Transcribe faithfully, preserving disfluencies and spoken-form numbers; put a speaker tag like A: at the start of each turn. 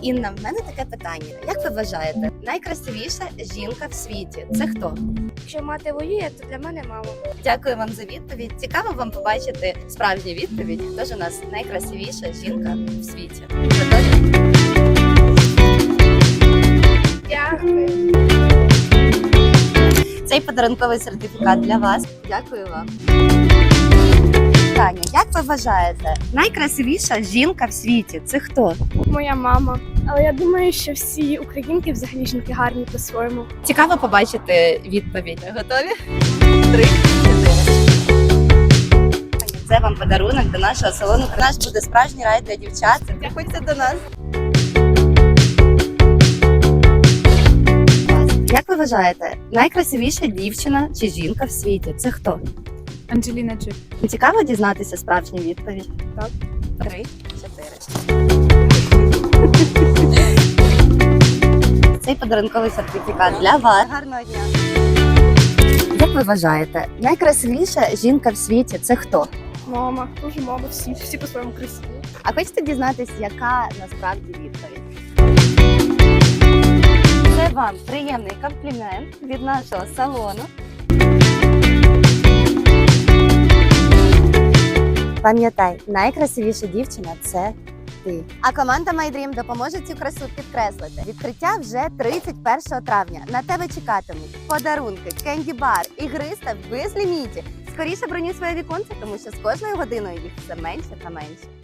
A: Інна, в мене таке питання. Як ви вважаєте, найкрасивіша жінка в світі це хто?
B: Якщо мати воює, то для мене мама.
A: Дякую вам за відповідь. Цікаво вам побачити справжню відповідь. Хто ж у нас найкрасивіша жінка в світі? Це теж?
B: Дякую.
A: Цей подарунковий сертифікат для вас. Дякую вам. Таня, як ви вважаєте, найкрасивіша жінка в світі це хто?
B: Моя мама. Але я думаю, що всі українки взагалі жінки гарні по-своєму.
A: Цікаво побачити відповідь. Готові? Три, чотири. Це вам подарунок до нашого салону. У нас буде справжній рай для дівчат. Приходьте до нас. Як ви вважаєте, найкрасивіша дівчина чи жінка в світі це хто?
B: Анджеліна Джолі.
A: Цікаво дізнатися справжню відповідь?
B: Так.
A: Три, чотири. Цей подарунковий сертифікат для вас. Гарного дня. Як ви вважаєте, найкрасивіша жінка в світі це хто?
B: Мама. Дуже мама. Всі. Всі по-своєму красиві.
A: А хочете дізнатись, яка насправді відповідь? Це вам приємний комплімент від нашого салону. Пам'ятай, найкрасивіша дівчина – це ти. А команда My Dream допоможе цю красу підкреслити. Відкриття вже тридцять першого травня. На тебе чекатимуть подарунки, кенді-бар, ігриста без лімітів. Скоріше бронюй своє віконце, тому що з кожною годиною їх все менше та менше.